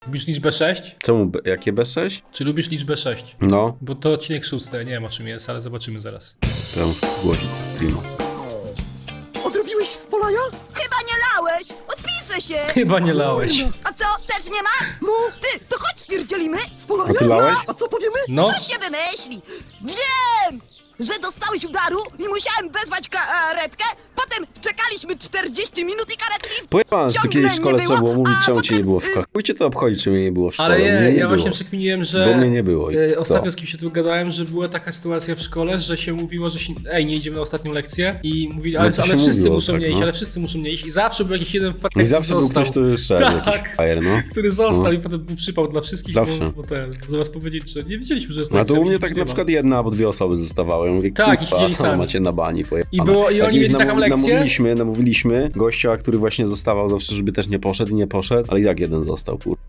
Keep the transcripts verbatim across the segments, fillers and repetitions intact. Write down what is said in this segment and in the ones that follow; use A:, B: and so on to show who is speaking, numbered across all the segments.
A: Lubisz liczbę sześć?
B: Czemu? B jakie B sześć?
A: Czy lubisz liczbę sześć?
B: No.
A: Bo to odcinek szósty, nie wiem o czym jest, ale zobaczymy zaraz.
B: To ja muszę zgłosić ze streama.
C: Odrobiłeś z Polaja?
D: Chyba nie lałeś! Odpiszę się!
A: Chyba nie lałeś.
D: A co, też nie masz?
C: No,
D: Ty, to chodź spierdzielimy!
C: z Polaja?
B: A ty lałeś?
C: A co powiemy?
A: No,
D: Coś się wymyśli! Wiem! Że dostałeś udaru i musiałem wezwać karetkę, potem czekaliśmy czterdzieści minut i karetki
B: Pojechałem, że w
D: ciągle
B: takiej
D: nie
B: szkole trzeba było
D: było,
B: mówić,
D: a
B: czemu cię
D: potem,
B: nie było w
D: y,
B: szkole. Chuj cię to obchodzi, czy mnie nie było w szkole.
A: ale
B: Mnie
A: nie,
B: nie
A: ja
B: było.
A: właśnie przekminiłem, że...
B: Bo mnie nie było. I
A: e, Ostatnio
B: co?
A: z kim się tu gadałem, że była taka sytuacja w szkole, że się mówiło, że się, ej, nie idziemy na ostatnią lekcję i mówili, ale,
B: No to
A: ale
B: się
A: wszyscy
B: mówiło,
A: muszą
B: tak,
A: nie iść,
B: no.
A: ale wszyscy muszą nie iść i zawsze był jakiś jeden fakt,
B: I zawsze był
A: został,
B: ktoś, kto szedł,
A: Tak.
B: jakiś fajer, no.
A: który został
B: No.
A: i potem był przypał dla wszystkich,
B: Zawsze.
A: bo, bo ten, zamiast powiedzieć, że nie wiedzieliśmy, że jest
B: No to
A: lekcja,
B: u mnie
A: myśleliśmy,
B: tak
A: że
B: na
A: nie ma.
B: przykład jedna albo dwie osoby zostawały. Ja mówię,
A: Tak, i
B: kurwa,
A: siedzieli sami.
B: macie na bani pojechane.
A: I było- i oni
B: Jakiś
A: mieli taką lekcję?
B: Namówiliśmy, namówiliśmy gościa, który właśnie zostawał zawsze, żeby też nie poszedł i nie poszedł, ale i tak jeden został, kurwa.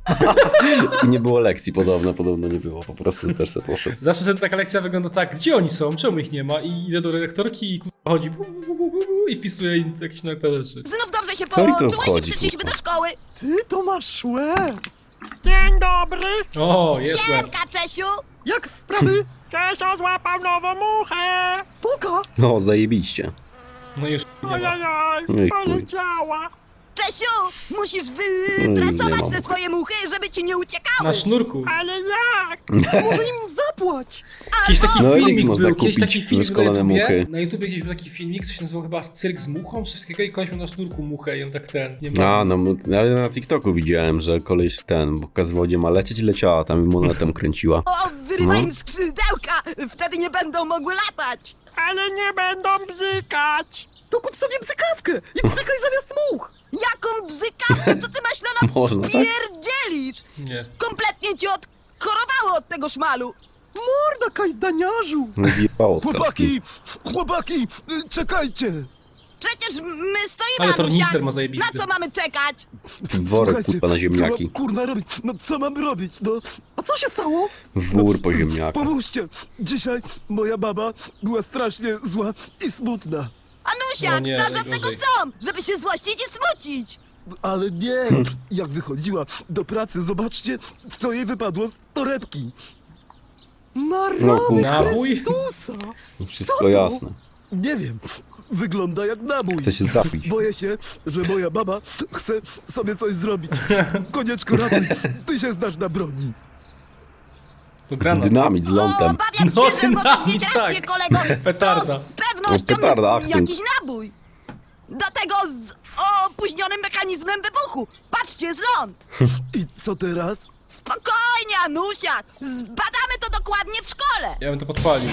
B: I nie było lekcji podobno, podobno nie było, po prostu też se poszedł.
A: Zawsze wtedy taka lekcja wygląda tak, gdzie oni są, czemu ich nie ma i idę do redaktorki i kurwa chodzi bu, bu, bu, bu, bu, i wpisuje im jakieś na te rzeczy.
D: Znów dobrze się
B: Co mi to
D: połączyłeś i
B: obchodzi,
D: przyszliśmy
B: kurwa?
D: do szkoły.
C: Ty to masz łeb.
E: Dzień dobry!
A: O, jest łeb.
D: Siemka, Czesiu!
C: Jak sprawy?
E: Czesio złapał nową muchę!
C: Poka.
B: No, zajebiście.
A: No już nie ma.
E: Ojojoj,
B: No i chuj.
E: poleciała!
D: Czesiu, musisz
B: nie
D: wytresować
B: mam.
D: te swoje muchy, żeby ci nie uciekały.
A: Na sznurku.
E: Ale jak?
C: Może im zapłać.
A: Jakiś taki
B: No i
A: filmik
B: można
A: był, kiedyś
B: kupić
A: taki filmik na
B: wyszkolone
A: YouTubie,
B: muchy.
A: na YouTubie kiedyś był taki filmik, co się nazywał chyba Cyrk z muchą, coś takiego i koleś miał na sznurku muchę i on tak ten, nie ma.
B: A, no, ja na TikToku widziałem, że koleś ten pokazywał, gdzie ma lecieć i leciała tam i monetem kręciła.
D: O, wyrywaj
B: No.
D: im skrzydełka, wtedy nie będą mogły latać.
E: Ale nie będą bzykać!
C: To kup sobie bzykawkę i bzykaj zamiast much.
D: Jaką bzykawkę, co ty maślana
B: Można, tak?
D: pierdzielisz?
A: Nie.
D: Kompletnie cię odkorowało od tego szmalu.
C: Morda, kajdaniarzu.
B: Zjebało od kaski.
F: Chłopaki, chłopaki, y, czekajcie!
D: Przecież my stoimy,
A: Ale tornister
D: Anusiak.
A: ma zajebisty.
D: Na co mamy czekać?
B: Worek,
F: Słuchajcie,
B: kurwa, na
F: co
B: ziemniaki.
F: mam, kurna robić? No co mam robić? No
C: A co się stało?
B: Wór po ziemniakach.
F: pomóżcie! Dzisiaj moja baba była strasznie zła i smutna.
D: Anusiak,
A: O nie,
D: znasz od tego
A: najgorzej.
D: są, żeby się złościć i smucić.
F: Ale nie! Jak wychodziła do pracy, zobaczcie, co jej wypadło z torebki.
C: Na
B: No,
C: rany
B: kurwa.
A: Nabój?
C: Chrystusa.
B: Wszystko
C: Co to?
B: jasne.
F: Nie wiem, wygląda jak nabój.
B: Chce się zapić.
F: Boję się, że moja baba chce sobie coś zrobić. Konieczko, ratuj, ty się znasz na broni.
A: To granat.
B: Dynamit z
D: O,
B: lądem.
D: obawiam
A: No,
D: się, że możesz
A: dynamit,
D: mieć rację,
A: tak.
D: kolego.
A: Petarda.
D: To z pewnością
B: No, petarda,
D: jest
B: achtung.
D: jakiś nabój. Do tego z opóźnionym mechanizmem wybuchu. Patrzcie, z ląd.
F: I co teraz?
D: Spokojnie, Anusiak. Zbadamy to dokładnie w szkole.
A: Ja bym to podpalił.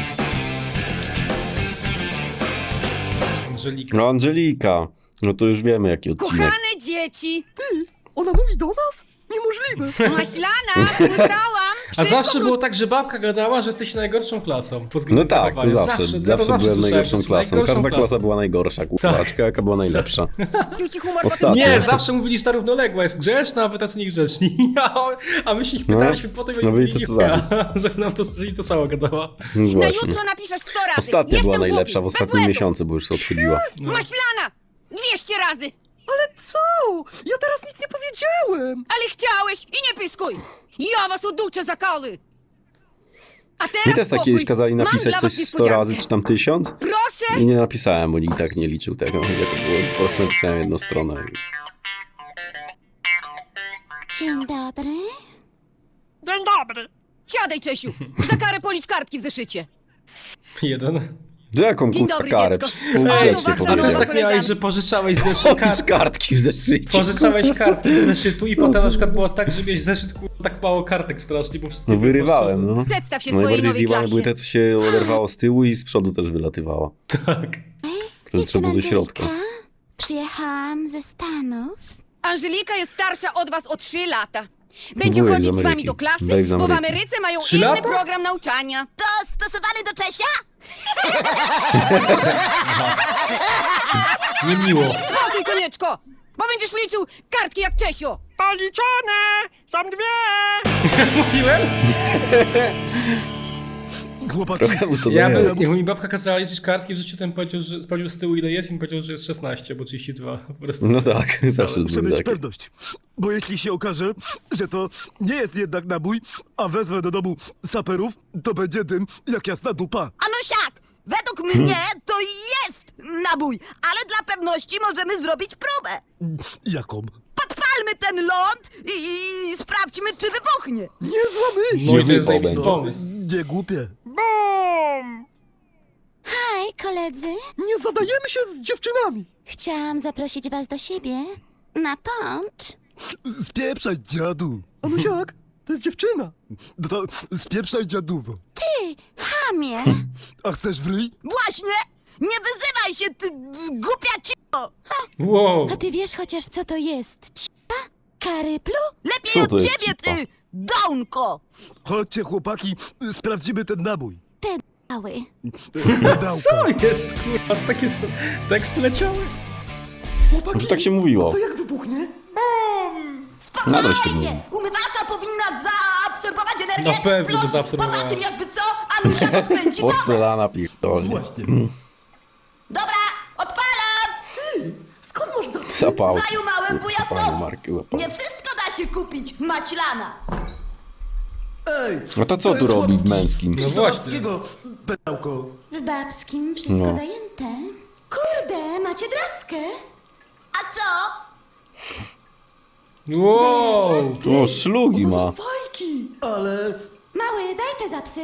A: Angelika.
B: No Angelika. No to już wiemy jaki odcinek.
G: Kochane dzieci!
C: Ona mówi do nas? Niemożliwe.
G: Maślana, słyszałam!
A: A
G: Szybko
A: zawsze
G: wróć-
A: było tak, że babka gadała, że jesteś najgorszą klasą. pod
B: No
A: względem
B: tak, to
A: zachowania.
B: zawsze. Zawsze,
A: ja to
B: byłem
A: słyszałem,
B: najgorszą
A: że
B: klasą.
A: najgorszą
B: Każda
A: klasą.
B: klasa była najgorsza, kurwa.
A: Tak.
B: Czekaj, jaka była najlepsza.
G: Ci humor
B: Ostatnio.
A: Nie, zawsze mówili, że ta równoległa jest grzeczna, a wy tacy niegrzeczni. A, a my się ich
B: No.
A: pytaliśmy potem, jak
B: No byli
A: mówili,
B: tacy sami.
A: że nam to, że im to samo gadała.
B: No
G: Na
B: właśnie.
G: jutro napiszesz sto razy.
B: Ostatnia
G: Jestem
B: była
G: głupi,
B: najlepsza w
G: bez
B: ostatnim
G: błędów.
B: miesiącu, bo już się odchyliła.
A: No.
G: Maślana! dwieście razy!
C: Ale co? Ja teraz nic nie powiedziałem.
G: Ale chciałeś i nie pyskuj! Ja was uduczę za kały! A teraz
B: Mi też tak
G: spokój.
B: kiedyś kazali
G: Mam
B: napisać
G: dla
B: coś
G: was
B: sto
G: niespodziankę.
B: razy, czy tam tysiąc.
G: Proszę!
B: I nie napisałem, bo nikt tak nie liczył tego. Ja to było, po prostu napisałem jedną stronę.
D: Dzień dobry.
E: Dzień dobry!
G: Siadaj, Czesiu! Za karę policz kartki w zeszycie.
A: Jeden.
B: Za jaką
G: Dzień
B: kurwa
G: dobry,
B: karę?
G: dziecko.
B: Półgrzecznie
G: uważaj,
A: A też
G: nowa
B: powiedziałem.
A: tak miałeś,
G: koleżanka.
A: że pożyczałeś zeszyt
B: Policz
A: kart,
B: kartki w zeszycie.
A: pożyczałeś kartki z zeszytu i potem na przykład było tak, że miałeś zeszyt kurwa, tak mało kartek strasznie, bo wszystkie
B: No
A: były
B: wyrywałem, no.
G: Przedstaw się swojej
B: Najbardziej
G: nowej
B: zjebane
G: klasie.
B: były te, co się oderwało z tyłu i z przodu też wylatywało.
A: Tak.
B: Które trzeba było ze środka.
D: Przyjechałam ze Stanów.
G: Angelika jest starsza od was o trzy lata. Będzie
B: Wujek z
G: chodzić z wami
B: Ameryki.
G: do klasy,
B: Dave z
G: bo w
B: Ameryki.
G: Ameryce mają
A: Trzy
G: inny
A: lata?
G: program nauczania.
D: To stosowany do Czesia?
A: Niemiło.
G: Spokój, konieczko! Bo będziesz liczył kartki jak Czesio.
E: Policzone! Są dwie!
A: Mówiłem?
F: Chłopaki,
B: Trochę mu to
A: Ja
B: zajęło.
A: by, jak mi babka kazała liczyć kartki w życiu, to bym powiedział, że sprawdził z tyłu ile jest i mi powiedział, że jest szesnaście, bo trzydzieści dwa. Po prostu.
B: No tak, zawsze
F: muszę
B: były
F: mieć
B: takie.
F: pewność. Bo jeśli się okaże, że to nie jest jednak nabój, a wezwę do domu saperów, to będzie dym jak jasna dupa.
D: Anusiak, według mnie to jest nabój, ale dla pewności możemy zrobić próbę.
F: Jaką?
D: Podpalmy ten ląd i, i sprawdźmy, czy wybuchnie.
F: Niezła myśl!
A: No i to jest
B: wypał
A: zajebisty
B: będzie.
A: pomysł.
F: Nie głupie.
E: Bum!
H: Hej, koledzy.
F: Nie zadajemy się z dziewczynami.
H: Chciałam zaprosić was do siebie na poncz.
F: Spieprzaj, dziadu.
C: Anusiak, to jest dziewczyna.
F: No to spieprzaj, dziaduwo.
H: Ty, chamie.
F: A chcesz w ryj?
D: Właśnie, nie wyzywaj się, ty głupia cicho.
A: Wow.
H: A ty wiesz chociaż, co to jest? Cipa? Karyplu?
D: Lepiej
B: Co
D: od
B: to jest
D: ciebie,
B: cipa?
D: ty dołnko.
F: Chodźcie, chłopaki, sprawdzimy ten nabój.
H: Mały.
F: Dałka.
A: Co jest, kurwa? Takie s- teksty leciały?
C: Chłopaki,
B: Może tak się mówiło.
C: co jak wybuchnie?
B: Nadal się
D: Spokojnie, umywalka powinna zaabsorbować energię.
A: No pewnie, że
D: plus,
A: zaabsorbowała.
D: poza tym jakby co, Anusia odkręci wodę.
B: Porcelana pierdolnie.
F: Właśnie.
D: Dobra, odpalam.
C: Skąd masz za...
B: Zapał.
D: Zajumałem
B: Fajne
D: wujacowi.
B: marki łapał.
D: Nie wszystko da się kupić, maślana.
F: Ej,
B: No to co tu
F: jest
B: robi w
F: chłopski.
B: męskim?
F: Idź
A: No
F: do
A: właśnie.
F: babskiego, pedałko.
H: W babskim wszystko
B: No.
H: zajęte. Kurde, macie draskę?
D: A co?
A: Wow.
B: O, szlugi ma.
C: Fajki!
F: Ale
H: Mały, daj te zapsy.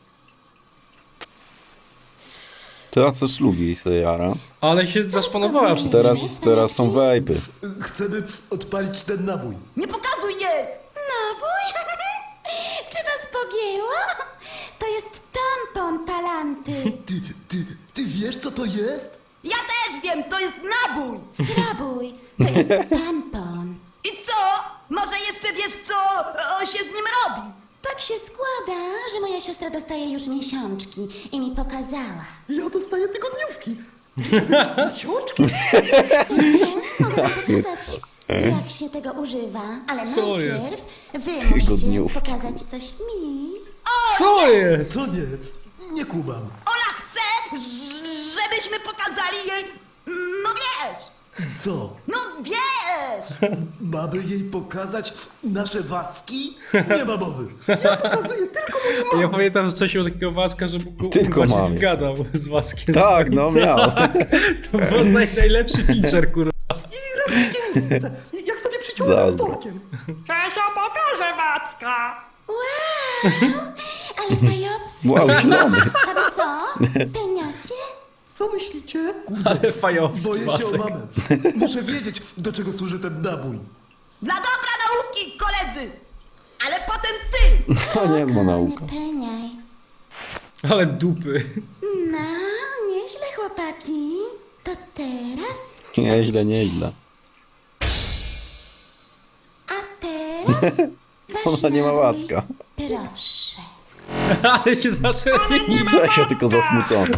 B: Teraz co szlugi sobie jara.
A: Ale się zaszpanowała przed tym.
B: Teraz, teraz są wejpy.
F: chcemy odpalić ten nabój.
D: Nie pokazuj jej.
H: Nabój? Czy was pogięło? To jest tampon palanty.
F: Ty, ty, ty wiesz, co to jest?
D: Ja też wiem, to jest nabój.
H: Srabój, to jest tampon.
D: I co? Może jeszcze wiesz, co o, się z nim robi?
H: Tak się składa, że moja siostra dostaje już miesiączki i mi pokazała.
C: Ja dostaję tygodniówki. Miesiączki?
H: Chcecie? Mogę wam pokazać, jak się tego używa, ale
A: Co
H: najpierw wy musicie
B: Tygodniówki.
H: pokazać coś mi.
A: Co jest?
F: Co nie? Nie kumam.
D: Ola chce, ż- żebyśmy pokazali jej, no wiesz,
F: Co?
D: no wiesz.
F: Mamy jej pokazać nasze waski? Nie ma mowy.
C: Pokazuję tylko moją
A: Ja pamiętam, że wcześniej był takiego Waska, że mógł
B: Tylko
A: kurwa, się z
B: mamie.
A: nim gadał z Waskiem.
B: Tak, no miał.
A: To był naj, najlepszy feature, kurwa.
C: i rozdzielnicę. Jak sobie przyciąłem
B: Zazdro.
C: sporkiem.
E: Czesio pokaże Wacka!
H: Wow, ale fajowski.
B: Wow, zielony.
H: A wy co? Peniocie?
C: Co myślicie?
A: Ale fajowski
F: Boję się o
A: Wacek.
F: mamę. Muszę wiedzieć, do czego służy ten nabój.
D: Dla dobra nauki, koledzy. Ale potem ty.
B: To nie jest ma
H: Nie
B: nauka.
H: peniaj.
A: Ale dupy.
H: No, nieźle chłopaki. To teraz...
B: Nieźle, nieźle.
H: A teraz... wasz
B: Ona nie ma
H: nabój.
B: Wacka.
H: Proszę.
A: Ale się zaczęli.
B: Czesio tylko zasmucony.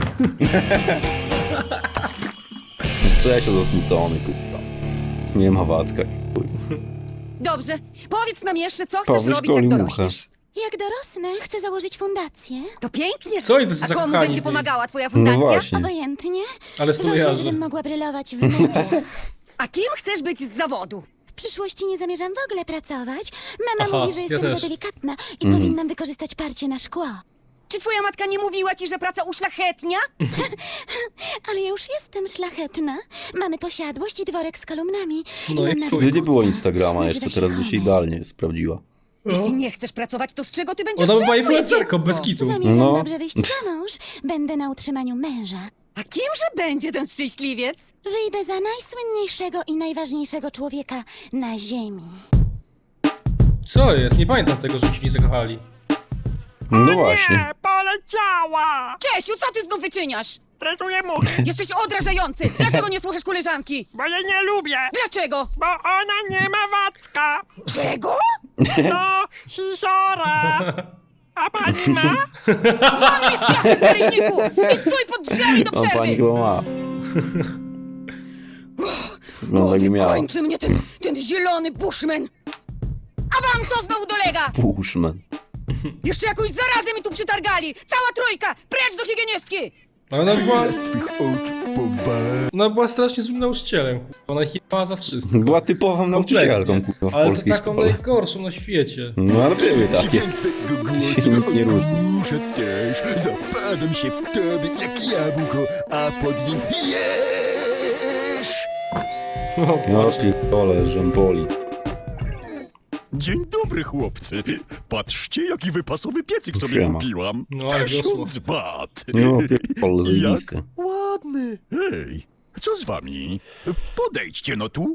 B: Czesio zasmucony, kurwa. Nie ma Wacka. chuj.
G: Dobrze, powiedz nam jeszcze, co chcesz
B: Powiedz
G: robić, jak
B: Kolimucha.
G: dorośniesz.
H: Jak dorosnę, chcę założyć fundację.
G: To pięknie.
A: Co oni tacy
G: A komu
A: zakochani
G: będzie
A: byli?
G: pomagała twoja
B: No
G: fundacja?
B: właśnie.
H: Obojętnie.
A: Ale
H: Ważne,
A: studialne.
H: żebym mogła brylować w mediach.
G: A kim chcesz być z zawodu?
H: W przyszłości nie zamierzam w ogóle pracować. Mama
A: Aha,
H: mówi, że
A: ja
H: jestem
A: też.
H: za delikatna i powinnam wykorzystać parcie na szkło.
G: Czy twoja matka nie mówiła ci, że praca uszlachetnia?
H: Ale ja już jestem szlachetna. Mamy posiadłość i dworek z kolumnami.
A: No i
H: mam nawet
A: chuj.
B: Gdy nie było
H: kuca.
B: Instagrama
H: Nazywa
B: jeszcze,
H: się
B: teraz by się
H: Homer.
B: idealnie sprawdziła.
G: Jeśli nie chcesz pracować, to z czego ty będziesz
A: Ona
G: żyć,
A: była
G: moje
A: influencerką,
G: dziecko?
A: bez kitu.
H: Zamierzam
B: No.
H: dobrze wyjść za mąż. Będę na utrzymaniu męża.
G: A kimże będzie ten szczęśliwiec?
H: Wyjdę za najsłynniejszego i najważniejszego człowieka na ziemi.
A: Co jest? Nie pamiętam tego, że się nie zakochali.
B: No właśnie.
E: Nie, poleciała!
G: Czesiu, co ty znów wyczyniasz?
E: Stresuję muchy,
G: Jesteś odrażający! Dlaczego nie słuchasz koleżanki?
E: bo jej nie lubię,
G: Dlaczego?
E: bo ona nie ma Wacka.
G: Czego?
E: No, sisiora. A pani ma?
G: Won mi z klasy z karyśniku! I stój pod drzwiami do
B: On pani
G: przerwy!
B: chyba ma. Wygląda jakby miała.
G: Kończy mnie ten, ten zielony bushman! A wam co znowu dolega?
B: Pushman.
G: Jeszcze jakąś zarazę mi tu przytargali! Cała trójka! Precz do higienistki!
A: Ale ona była,
F: Z twych oczu powal.
A: ona była strasznie złym nauczycielem, kurwa. Ona jebała za wszystko.
B: Była typową nauczycielką, kurwa, w
A: Ale to
B: polskiej
A: taką
B: szkole.
A: najgorszą na świecie.
B: No ale były takie.
F: Dźwięk twego głosu
B: Się nic nie różni.
F: Muszę też, zapadam się w tobie jak jabłko, a pod nim jesz.
A: O
B: No
A: Boże.
B: pierdolę, żemboli.
F: Dzień dobry, chłopcy. Patrzcie, jaki wypasowy piecyk sobie
B: Siema.
F: kupiłam.
A: No, ale wiosło.
F: Tysiąc wat.
B: No pierdolę, zajebiste.
F: Ładny. Hej, co z wami? Podejdźcie no tu.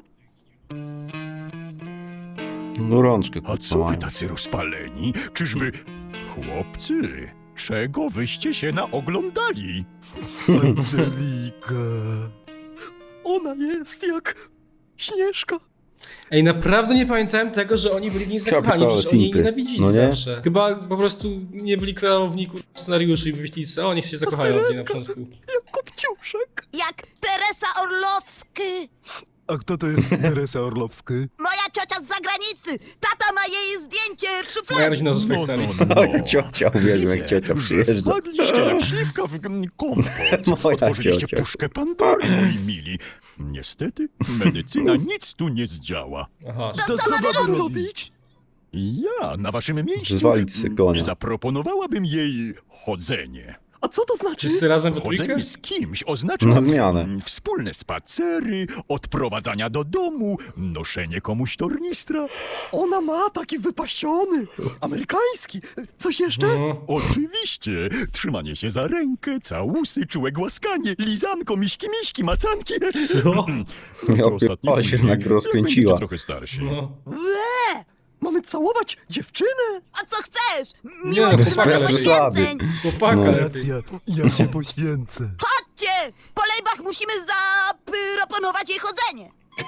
B: No rączkę,
F: A
B: kurwa,
F: co wy
B: mają.
F: tacy rozpaleni? Czyżby... Chłopcy, czego wyście się naoglądali? Angelika. Ona jest jak Śnieżka.
A: Ej, naprawdę nie pamiętałem tego, że oni byli w niej zakochani,
B: Kapitale,
A: przecież oni jej
B: simpy.
A: nienawidzili
B: No nie?
A: zawsze. Chyba po prostu nie byli kreowników scenariuszy i wymyślili, co oni się zakochają w niej na początku.
F: Jak Kopciuszek.
D: Jak Teresa Orlowski.
F: A kto to jest Teresa Orlowski?
D: Moja ciocia z zagranicy. Tata ma jej zdjęcie w
A: Moja
D: szufladzie.
A: rodzina ze Szwajcarii.
B: Oj, ciocia, uwielbiam jak ciocia przyjeżdża.
F: Wpadliście jak śliwka w g- kompot.
B: Moja
F: Otworzyliście
B: ciocia.
F: puszkę Pandory, moi mili. Niestety, medycyna nic tu nie zdziała.
A: Aha.
D: To co mamy robić?
F: Ja na waszym miejscu
B: Zwalić se konia.
F: zaproponowałabym jej chodzenie.
C: A co to znaczy?
A: Wszyscy razem we trójkę?
F: Chodzenie z kimś oznacza
B: Na zmianę.
F: mm, wspólne spacery, odprowadzania do domu, noszenie komuś tornistra.
C: Ona ma taki wypasiony, amerykański. Coś jeszcze?
A: No.
F: Oczywiście, trzymanie się za rękę, całusy, czułe głaskanie, lizanko, miśki, miśki, macanki.
A: Co?
B: Ja
F: To ostatnie
B: pierdolę, się
F: dni,
B: jednak
F: jak
B: rozkręciła.
F: będziecie trochę starsi.
A: No.
C: Mamy całować dziewczynę?
D: A co chcesz?
A: Nie,
D: Miłość
A: to
D: wymaga
A: bez
B: przesady.
D: poświęceń.
A: Chłopaka
B: No.
A: lepiej.
F: ja się poświęcę.
D: Chodźcie! Po lejbach musimy zaproponować jej chodzenie.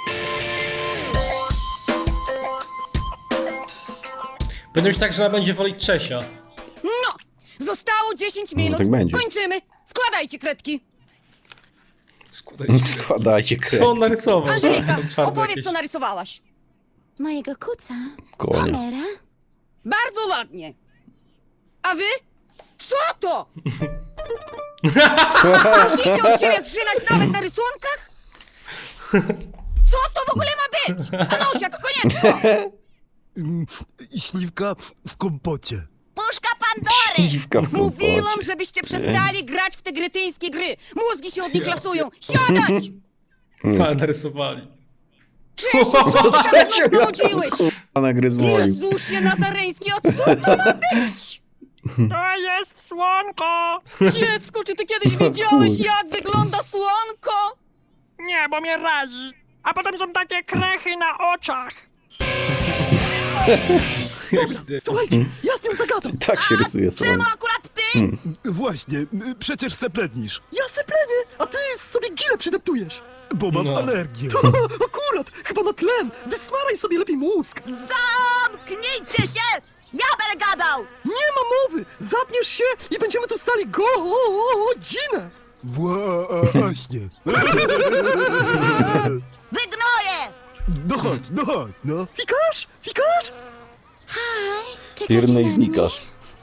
A: Będzie być tak, że ona będzie wolić Czesia.
G: No! Zostało dziesięć minut.
B: tak będzie.
G: Kończymy. Składajcie kredki.
A: Składajcie.
B: Składajcie
A: Co on
B: krew.
A: narysował?
G: Angelika,
A: Tam czarne
G: opowiedz,
A: jakieś.
G: co narysowałaś.
H: Mojego kuca.
B: Konia.
H: Homera.
G: Bardzo ładnie. A wy? Co to? Musicie od siebie zżynać nawet na rysunkach? Co to w ogóle ma być? Anusiak, koniecznie!
F: Śliwka w kompocie.
D: Puszka Pandory!
B: Śliwka w
G: Mówiłam,
B: kompocie.
G: żebyście przestali grać w te gretyńskie gry. Mózgi się od nich lasują. Siadać!
A: Ale narysowali.
G: Cześć, co ty tam znów nudziłeś?
B: Pana gry z moim.
G: Jezusie Nazareński, a co to ma być?
E: To jest słonko.
G: Dziecko, czy ty kiedyś widziałeś, jak wygląda słonko?
E: Nie, bo mnie razi. A potem są takie krechy na oczach.
C: Słuchajcie, ja z nią zagadam.
B: Tak się rysuje
D: Czemu
B: słońce.
D: akurat ty?
F: Właśnie, przecież sepletnisz.
C: Ja syplenię, a ty sobie gilę przydeptujesz.
F: Bo mam
A: No.
F: alergię.
C: To akurat, chyba na tlen. Wysmaraj sobie lepiej mózg.
D: Zamknijcie się! Ja będę gadał!
C: Nie ma mowy. Zatniesz się i będziemy tu stali godzinę.
F: Właśnie.
D: Wygnoję!
F: No chodź, no chodź, no.
C: Fikasz? Fikasz?
H: Haj, czekacie
B: Piernę i
H: na
B: znikasz.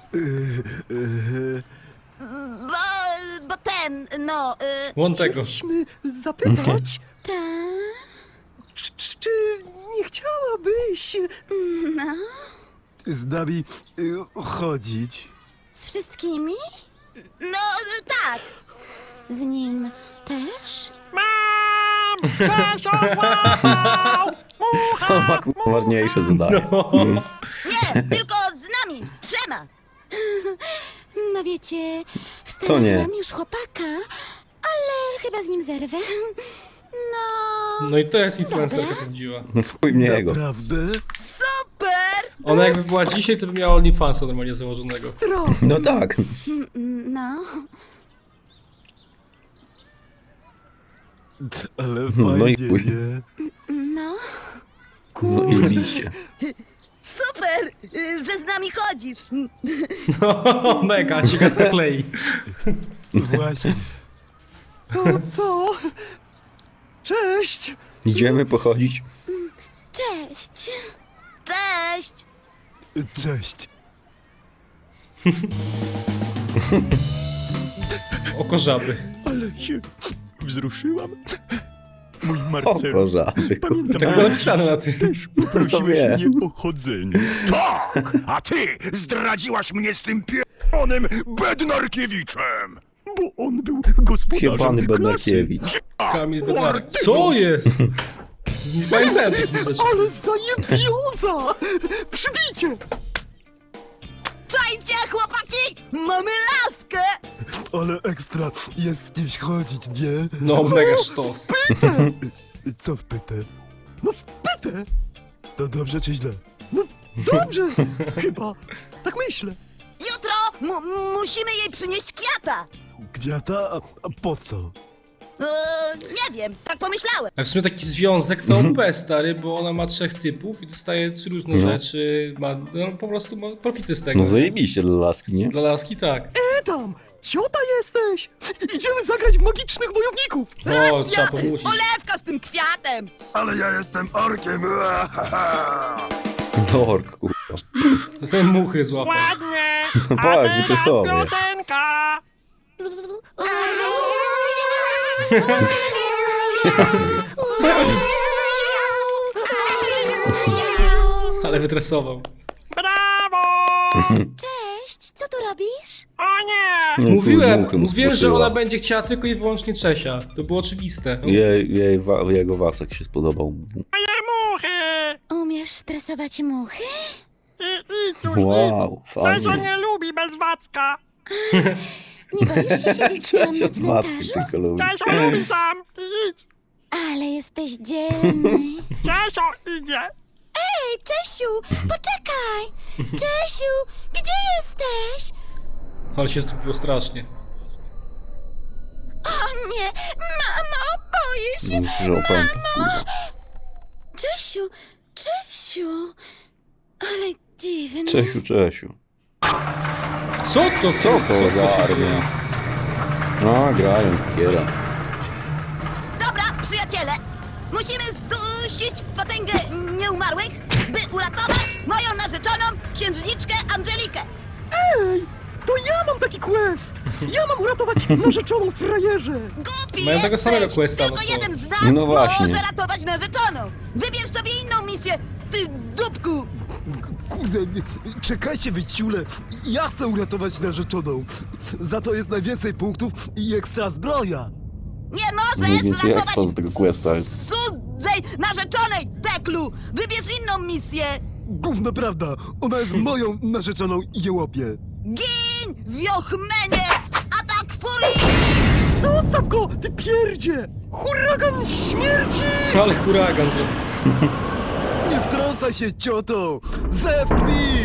D: Bo, bo ten, no... Y,
A: Won tego.
C: Chcieliśmy zapytać,
H: Ta.
C: czy, czy, czy nie chciałabyś...
H: No.
F: Z nami y, chodzić.
H: Z wszystkimi?
D: no, tak.
H: Z nim też?
E: Mam! Czesio złapał! Mucha!
B: Ma kurwa ważniejsze zadanie.
D: Nie, tylko z nami, trzema.
H: No wiecie,
B: To nie.
H: wstałem już chłopaka, ale chyba z nim zerwę. No...
A: No i to jest influencerka prawdziwa.
B: Chuj mnie jego.
F: Prawda?
D: Super!
A: Ona jakby była dzisiaj, to by miała OnlyFansa normalnie założonego.
B: No tak.
H: No...
F: Ale
B: No i
F: fajnie,
B: chuj.
F: nie?
H: No...
B: No i liście.
D: Super, y, że z nami chodzisz.
A: No, mega, się gadka klei.
F: Właśnie.
C: No co? Cześć.
B: Idziemy pochodzić.
H: Cześć!
D: Cześć!
F: Cześć.
A: Oko żaby.
C: Ale się wzruszyłam. Mój
B: O,
C: Marcel,
B: korzaby.
C: pamiętam,
A: Tak było napisane na tym.
C: też
B: To
C: poprosiłeś
B: wie.
C: mnie o chodzenie.
I: Tak! A ty zdradziłaś mnie z tym pieprzonym Bednarkiewiczem!
C: Bo on był gospodarzem
B: Jebany
C: klasy.
B: Bednarkiewicz.
A: Kamil Bednarek. Co jest? Nie pamiętałem takich rzeczy.
C: Ale zajebioza! Przybijcie!
D: Czajcie, chłopaki! Mamy laskę!
F: Ale ekstra jest z kimś chodzić, nie?
A: No, mega sztos.
F: Co w pytę?
C: No w pytę!
F: To dobrze czy źle?
C: No dobrze, chyba. Tak myślę.
D: Jutro mu- musimy jej przynieść kwiata!
F: Kwiata? A, a po co?
D: Eee, nie wiem, tak pomyślałem.
A: A w sumie taki związek to O P, stary, bo ona ma trzech typów i dostaje trzy różne
B: No.
A: rzeczy. Ma, no po prostu ma profity z tego.
B: No zajebiście dla laski, nie?
A: Dla laski tak.
C: E tam, ciota jesteś! Idziemy zagrać w magicznych wojowników!
A: O, trzeba pomusić.
D: Olewka z tym kwiatem!
I: Ale ja jestem orkiem!
B: Dork, kurwa.
A: To są muchy złapał.
E: Ładnie.
B: No
E: A
B: tak,
E: teraz
B: wyczesowie.
E: piosenka.
A: Ale wytresował.
E: Brawo.
H: Cześć, co tu robisz?
E: O nie.
B: No,
A: Mówiłem,
B: muchy mu
A: mówiłem, że
B: spłoszyła.
A: ona będzie chciała tylko i wyłącznie Czesia. To było oczywiste.
B: Jej, jej wa, jego wacek się spodobał.
E: Moje muchy.
H: Umiesz tresować muchy?
E: I, idź już,
B: Wow,
E: idź. Czesio
B: fajnie.
E: nie lubi bez Wacka.
H: Nie boisz się siedzieć tam na
B: Cześć, z wackiem
H: cmentarzu?
B: tylko lubi.
E: Czesio lubi sam. I idź.
H: Ale jesteś dzielny.
E: Czesio idzie.
H: Ej, Czesiu, poczekaj! Czesiu, gdzie jesteś?
A: Ale się zdupiło strasznie.
H: O nie, mamo, boję się.
B: Myślę, że opęta, kurwa.
H: Czesiu, Czesiu, ale dziwne.
B: Czesiu, Czesiu.
A: Co to?
B: Co to
A: się
B: za armia?
A: dzieje?
B: No, grają, kiera.
D: Dobra, przyjaciele! Musimy zdusić potęgę nieumarłych, by uratować moją narzeczoną księżniczkę Angelikę!
C: Ej, to ja mam taki quest! Ja mam uratować narzeczoną frajerze!
D: Głupi
A: Mają tego
D: jesteś!
A: samego questa,
D: Tylko
A: no co?
D: jeden z nas
B: No właśnie.
D: może ratować narzeczoną! Wybierz sobie inną misję, ty dupku!
F: Kurde, czekajcie wy ciule. Ja chcę uratować narzeczoną. Za to jest najwięcej punktów i ekstra zbroja.
D: Nie możesz
B: Najwięcej
D: ratować
B: expa z tego questa.
D: cudzej narzeczonej, Teklu! Wybierz inną misję!
F: Gówno prawda, ona jest moją narzeczoną jełopie.
D: Gin, wiochmenie! Atak furii!
C: Zostaw go, ty pierdzie! Huragan śmierci!
A: Ale huragan zrobił.
F: Nie wtrącaj się, cioto! Zewknij!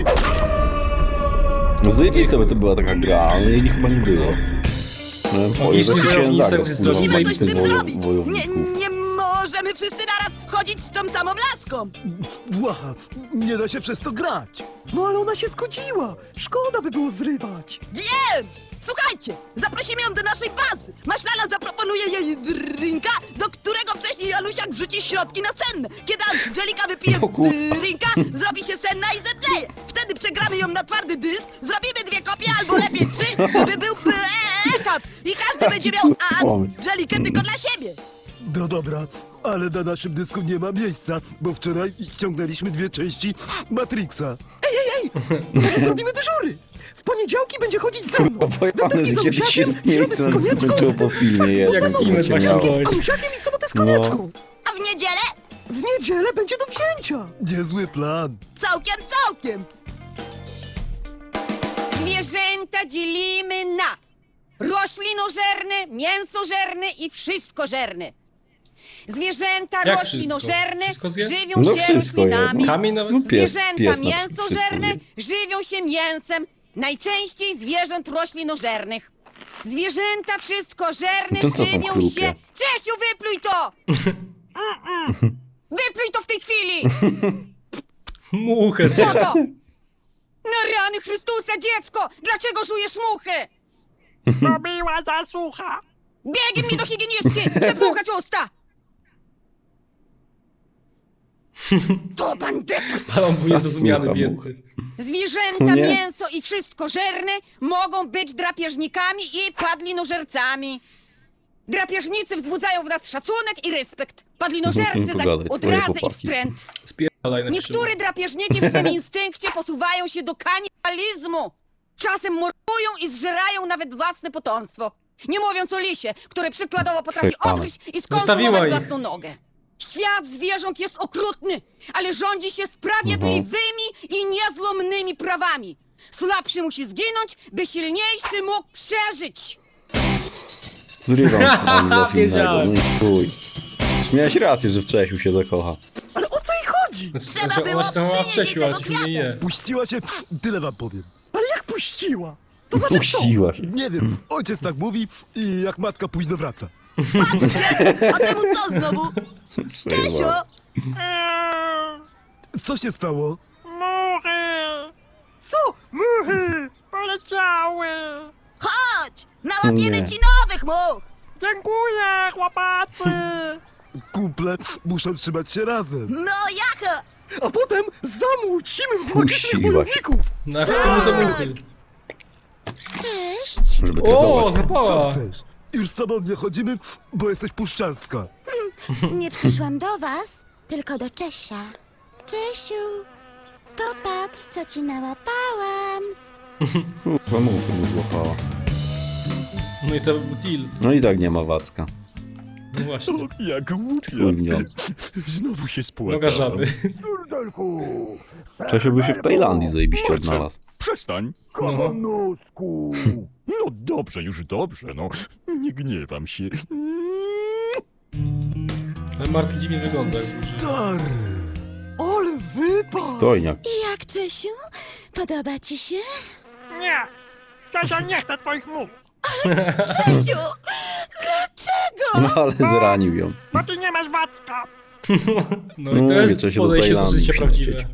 B: No zajebista by to była taka gra, ale jej chyba nie było. No, boję,
A: Magiczny
B: że się
A: wojownik
B: zagrał,
A: jest
B: kurwa,
A: zrobił
D: Musimy coś z
B: magicznych
D: tym
B: wojo-
D: zrobić! Nie,
B: wojowników.
D: nie możemy wszyscy naraz chodzić z tą samą laską!
F: Włacha, nie da się przez to grać.
C: No ale ona się zgodziła! Szkoda by było zrywać!
D: Wiem! Słuchajcie, zaprosimy ją do naszej bazy. Maślana zaproponuje jej drinka, do którego wcześniej Janusiak wrzuci środki nasenne. Kiedy Angelika wypije
B: O kurwa.
D: drinka, zrobi się senna i zemdleje. Wtedy przegramy ją na twardy dysk, zrobimy dwie kopie albo lepiej trzy, żeby był etap. I każdy będzie miał
B: pomysł.
D: Angelikę tylko dla siebie.
F: No dobra, ale na naszym dysku nie ma miejsca, bo wczoraj ściągnęliśmy dwie części Matrixa.
C: Może zrobimy dyżury! W poniedziałki będzie chodzić ze mną!
B: Pojebane,
C: Wtorki
B: że
C: z
B: kiedyś się
C: Anusiakiem, w środę
B: miejsce
C: z konieczką,
B: skończyło po filmie.
C: Jak
B: Jak
A: w filmie
B: to
A: tak
B: się
A: było.
B: miało.
C: z Anusiakiem i w sobotę z
B: No.
C: konieczką!
D: A w niedzielę?
C: W niedzielę będzie do wzięcia!
F: Niezły plan.
D: Całkiem, całkiem.
G: Zwierzęta dzielimy na roślinożerne, mięsożerne i wszystkożerne. Zwierzęta
A: Jak
G: roślinożerne
A: wszystko? Wszystko zje?
G: żywią
B: No
G: się
B: wszystko je,
G: roślinami.
B: no.
A: Kamień nawet?
B: No pies,
G: Zwierzęta
B: pies na
G: mięsożerne
B: wszystko
G: żywią się mięsem, najczęściej zwierząt roślinożernych. Zwierzęta wszystkożerne
B: To co tam
G: żywią
B: chrupie?
G: się... Czesiu, wypluj to! Wypluj to w tej chwili!
A: Muchę
G: Co
A: zje.
G: to? Na rany Chrystusa, dziecko! Dlaczego żujesz muchy?
E: Bo była zasłucha.
G: Biegiem mi do higienistki! Przepłuchać usta! To bandyta!
A: Ale on był niezrozumiany,
B: Słucham,
A: biedny.
G: Zwierzęta,
B: Nie.
G: mięso i wszystko żerne mogą być drapieżnikami i padlinożercami. Drapieżnicy wzbudzają w nas szacunek i respekt. Padlinożercy zaś
B: Pogadaj, twoje
G: odrazy i
B: chłopaki.
G: wstręt.
A: Spierdalaj na
G: Niektóre drapieżniki w swym instynkcie posuwają się do kanibalizmu. Czasem mordują i zżerają nawet własne potomstwo. Nie mówiąc o lisie, które przykładowo potrafi
B: Hej,
G: odgryźć i
A: Zostawiła
G: skonsumować
A: ich.
G: własną nogę. Świat zwierząt jest okrutny, ale rządzi się sprawiedliwymi i niezłomnymi prawami. Słabszy musi zginąć, by silniejszy mógł przeżyć.
B: Zrywam stronę do filmego,
A: Wiedziałem.
B: no i chuj. Miałeś rację, że w Czesiu się zakocha.
C: Ale o co jej chodzi?
D: Trzeba
A: Znaczy,
D: było
A: ona się tam
D: przynieść
A: Czesiu,
D: jej
A: ale
D: tego
A: się nie je.
F: Puściła się, tyle wam powiem.
C: Ale jak puściła? To znaczy
B: Puściła się.
F: Nie wiem, ojciec tak mówi i jak matka późno wraca.
D: Patrzcie! A temu co znowu? Czesio!
E: Eee,
F: Co się stało?
E: muchy!
C: co? Muchy!
E: Poleciały!
D: Chodź! Nałapiemy
B: Nie.
D: ci nowych much!
E: Dziękuję, chłopacy!
F: Kumple muszą trzymać się razem.
D: No jacha!
C: A potem zamłócimy magicznych
B: Puściła się.
C: wojowników!
A: Na komu to muchy?
H: Cześć.
B: Żeby
A: O,
B: tresować.
F: Co
A: złapała.
F: chcesz? Już z tobą nie chodzimy, bo jesteś puszczalska.
H: Nie przyszłam do was, tylko do Czesia. Czesiu, popatrz, co ci nałapałam.
B: Kurwa, muchy mu złapała.
A: No i to był deal.
B: No i tak nie ma Wacka.
A: No właśnie.
I: Jak
B: Chuj
I: głupio.
B: w nią.
I: Znowu się spłakałem.
A: Noga żaby.
B: Czesiu by się w Tajlandii zajebiście
I: Marcel,
B: odnalazł.
I: Przestań.
A: No.
I: Nosku. No dobrze, już dobrze, no. Nie gniewam się.
A: Ale Martin dziwnie wygląda.
F: Stary.
C: Ale wypas!
B: Stojniak.
H: I jak, Czesiu? Podoba ci się?
E: Nie! Czesio nie chce twoich much,
D: Czesiu! Dlaczego?
B: No ale zranił ją.
E: bo ty nie masz Wacka!
A: No i to
B: Mówię,
A: jest
B: Czesiu do
A: podejście do
B: Tajlandii
A: życia
B: musi
A: prawdziwe.
B: lecieć.